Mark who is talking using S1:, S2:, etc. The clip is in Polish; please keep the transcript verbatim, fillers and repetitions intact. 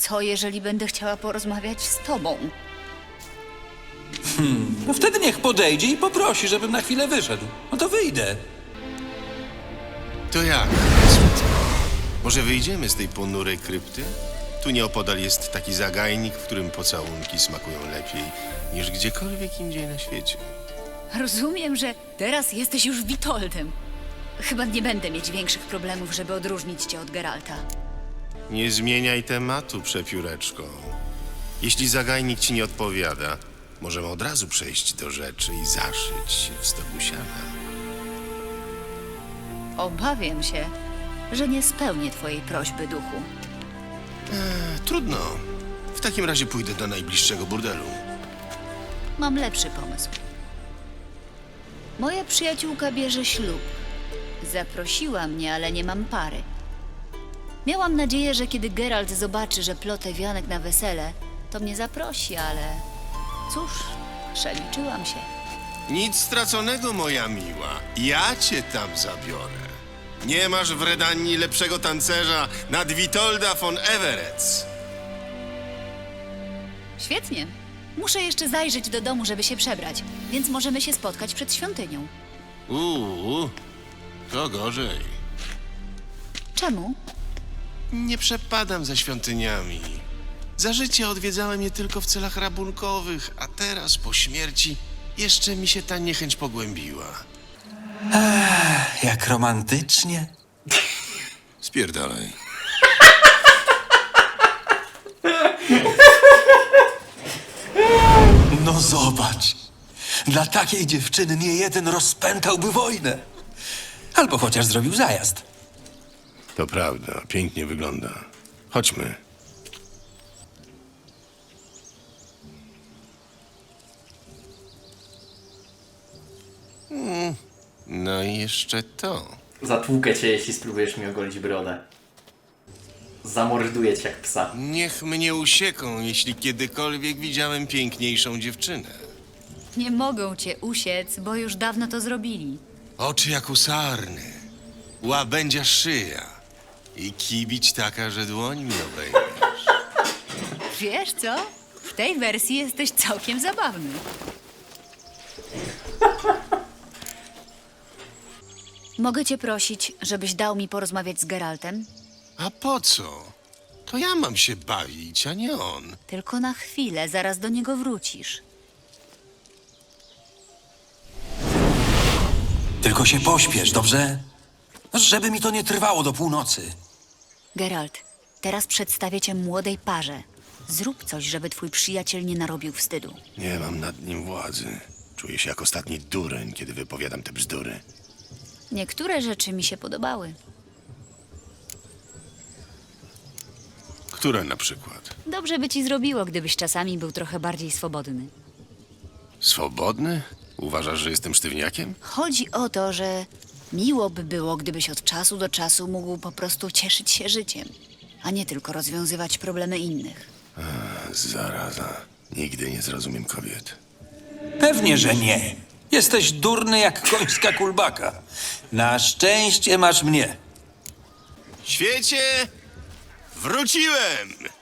S1: Co jeżeli będę chciała porozmawiać z tobą?
S2: No wtedy niech podejdzie i poprosi, żebym na chwilę wyszedł. No to wyjdę.
S3: To jak? Może wyjdziemy z tej ponurej krypty? Tu nieopodal jest taki zagajnik, w którym pocałunki smakują lepiej niż gdziekolwiek indziej na świecie.
S1: Rozumiem, że teraz jesteś już Witoldem. Chyba nie będę mieć większych problemów, żeby odróżnić cię od Geralta.
S3: Nie zmieniaj tematu, przepióreczko. Jeśli zagajnik ci nie odpowiada, możemy od razu przejść do rzeczy i zaszyć się w stogu siana.
S1: Obawiam się, że nie spełnię twojej prośby, duchu.
S3: E, trudno. W takim razie pójdę do najbliższego burdelu.
S1: Mam lepszy pomysł. Moja przyjaciółka bierze ślub. Zaprosiła mnie, ale nie mam pary. Miałam nadzieję, że kiedy Geralt zobaczy, że plotę wianek na wesele, to mnie zaprosi, ale cóż, przeliczyłam się.
S3: Nic straconego, moja miła. Ja cię tam zabiorę. Nie masz w Redanii lepszego tancerza nad Witolda von Everec.
S1: Świetnie. Muszę jeszcze zajrzeć do domu, żeby się przebrać, więc możemy się spotkać przed świątynią.
S3: Uuu, to gorzej.
S1: Czemu?
S3: Nie przepadam za świątyniami. Za życia odwiedzałem je tylko w celach rabunkowych, a teraz po śmierci jeszcze mi się ta niechęć pogłębiła.
S2: Jak romantycznie.
S3: Spierdalaj.
S2: No zobacz. Dla takiej dziewczyny nie jeden rozpętałby wojnę. Albo chociaż zrobił zajazd.
S3: To prawda, pięknie wygląda. Chodźmy. Mm, no i jeszcze to.
S4: Zatłukę cię, jeśli spróbujesz mi ogolić brodę. Zamorduję cię jak psa.
S3: Niech mnie usieką, jeśli kiedykolwiek widziałem piękniejszą dziewczynę.
S1: Nie mogą cię usiec, bo już dawno to zrobili.
S3: Oczy jak u sarny, łabędzia szyja i kibić taka, że dłoń mi obejmiesz.
S1: Wiesz co? W tej wersji jesteś całkiem zabawny. Mogę cię prosić, żebyś dał mi porozmawiać z Geraltem?
S3: A po co? To ja mam się bawić, a nie on.
S1: Tylko na chwilę, zaraz do niego wrócisz.
S2: Tylko się pośpiesz, dobrze? Żeby mi to nie trwało do północy.
S1: Geralt, teraz przedstawię cię młodej parze. Zrób coś, żeby twój przyjaciel nie narobił wstydu.
S3: Nie mam nad nim władzy. Czuję się jak ostatni dureń, kiedy wypowiadam te bzdury.
S1: Niektóre rzeczy mi się podobały.
S3: Które na przykład?
S1: Dobrze by ci zrobiło, gdybyś czasami był trochę bardziej swobodny.
S3: Swobodny? Uważasz, że jestem sztywniakiem?
S1: Chodzi o to, że miło by było, gdybyś od czasu do czasu mógł po prostu cieszyć się życiem, a nie tylko rozwiązywać problemy innych.
S3: Zaraza. Nigdy nie zrozumiem kobiet.
S2: Pewnie, że nie. Jesteś durny jak końska kulbaka. Na szczęście masz mnie.
S3: Świecie! Wróciłem!